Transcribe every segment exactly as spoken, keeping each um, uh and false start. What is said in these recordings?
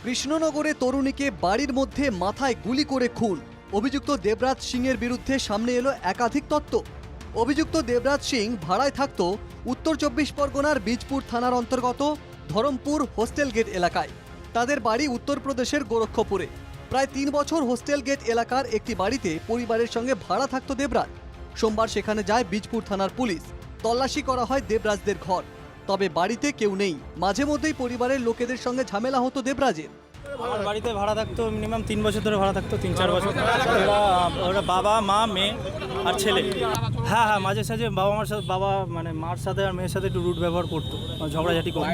কৃষ্ণনগরে তরুণীকে বাড়ির মধ্যে মাথায় গুলি করে খুন। অভিযুক্ত দেবরাজ সিং এর বিরুদ্ধে সামনে এলো একাধিক তত্ত্ব। অভিযুক্ত দেবরাজ সিং ভাড়ায় থাকত উত্তর চব্বিশ পরগনার বীজপুর থানার অন্তর্গত ধরমপুর হোস্টেল গেট এলাকায়। তাদের বাড়ি উত্তরপ্রদেশের গোরক্ষপুরে। প্রায় তিন বছর হোস্টেল গেট এলাকার একটি বাড়িতে পরিবারের সঙ্গে ভাড়া থাকত দেবরাজ। সোমবার সেখানে যায় বীজপুর থানার পুলিশ। তল্লাশি করা হয় দেবরাজদের ঘর, তবে বাড়িতে কেউ নেই। মাঝে মধ্যেই পরিবারের লোকেদের সঙ্গে ঝামেলা হতো দেবরাজের। আমার বাড়িতে ভাড়া থাকতো মিনিমাম তিন বছর ধরে ভাড়া থাকতো, তিন চার বছর। ওরা ওরা বাবা মা মেয়ে আর ছেলে। হ্যাঁ হ্যাঁ মাঝে সাঝে বাবা মার সাথে বাবা মানে মার সাথে আর মেয়ের সাথে একটু রুট ব্যবহার করতো, ঝগড়াঝাটি করতো।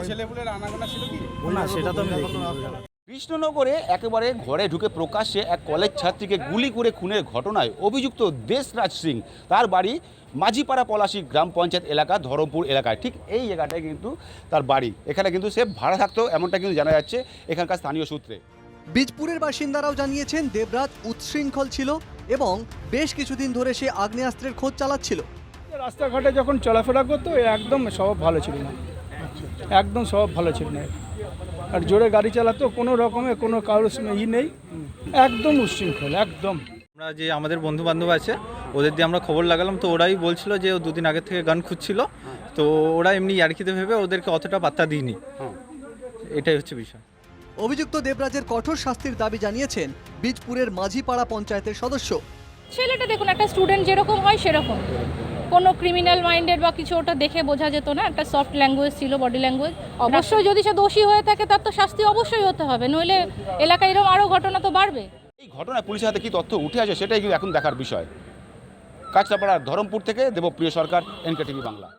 না সেটা তো আমি দেখিনি। কৃষ্ণনগরে একেবারে ঘরে ঢুকে প্রকাশ্যে এক কলেজ ছাত্রীকে গুলি করে খুনের ঘটনায় অভিযুক্ত দেশরাজ সিং, তার বাড়ি মাঝিপাড়া পলাশী গ্রাম পঞ্চায়েত এলাকা ধরমপুর এলাকায়। ঠিক এই জায়গাটায় কিন্তু তার বাড়ি। এখানে কিন্তু সে ভাড়া থাকতো এমনটা কিন্তু জানা যাচ্ছে এখানকার স্থানীয় সূত্রে। বীজপুরের বাসিন্দারাও জানিয়েছেন দেবরাজ উচ্ছৃঙ্খল ছিল এবং বেশ কিছুদিন ধরে সে আগ্নেয়াস্ত্রের খোঁজ চালাচ্ছিল। রাস্তাঘাটে যখন চলাফেরা করতো একদম স্বভাব ভালো ছিল না, একদম স্বভাব ভালো ছিল না। আর জোরে গাড়ি চালাতো, কোনো রকমে কোনো কারোর ই নেই, একদম উচ্ছৃঙ্খল একদম। আমরা যে আমাদের বন্ধু বান্ধব আছে ওদের দিয়ে আমরা খবর লাগালাম, তো ওরাই বলছিল যে ও দুদিন আগের থেকে গান খুঁজছিল। তো ওরা এমনি ইয়ার্কিতে ভেবে ওদেরকে অতটা পাত্তা দিইনি, এটাই হচ্ছে বিষয়। অভিযুক্ত দেবরাজের কঠোর শাস্তির দাবি জানিয়েছেন বীজপুরের মাঝিপাড়া পঞ্চায়েতের সদস্য। ছেলেটা দেখুন একটা স্টুডেন্ট যেরকম হয় সেরকম, কোনো ক্রিমিনাল মাইন্ডেড বা কিছু ওটা দেখে বোঝা যেত না। একটা সফট ল্যাঙ্গুয়েজ ছিল, বডি ল্যাঙ্গুয়েজ। অবশ্যই যদি সে দোষী হয়ে থাকে তার তো শাস্তি অবশ্যই হতে হবে, নইলে এলাকায় এরকম আরও ঘটনা তো বাড়বে। এই ঘটনায় পুলিশের হাতে কি তথ্য উঠে আসে সেটাই কিন্তু এখন দেখার বিষয়। কাঁচরাপাড়ার ধরমপুর থেকে দেবপ্রিয় সরকার, এনকে টিভি বাংলা।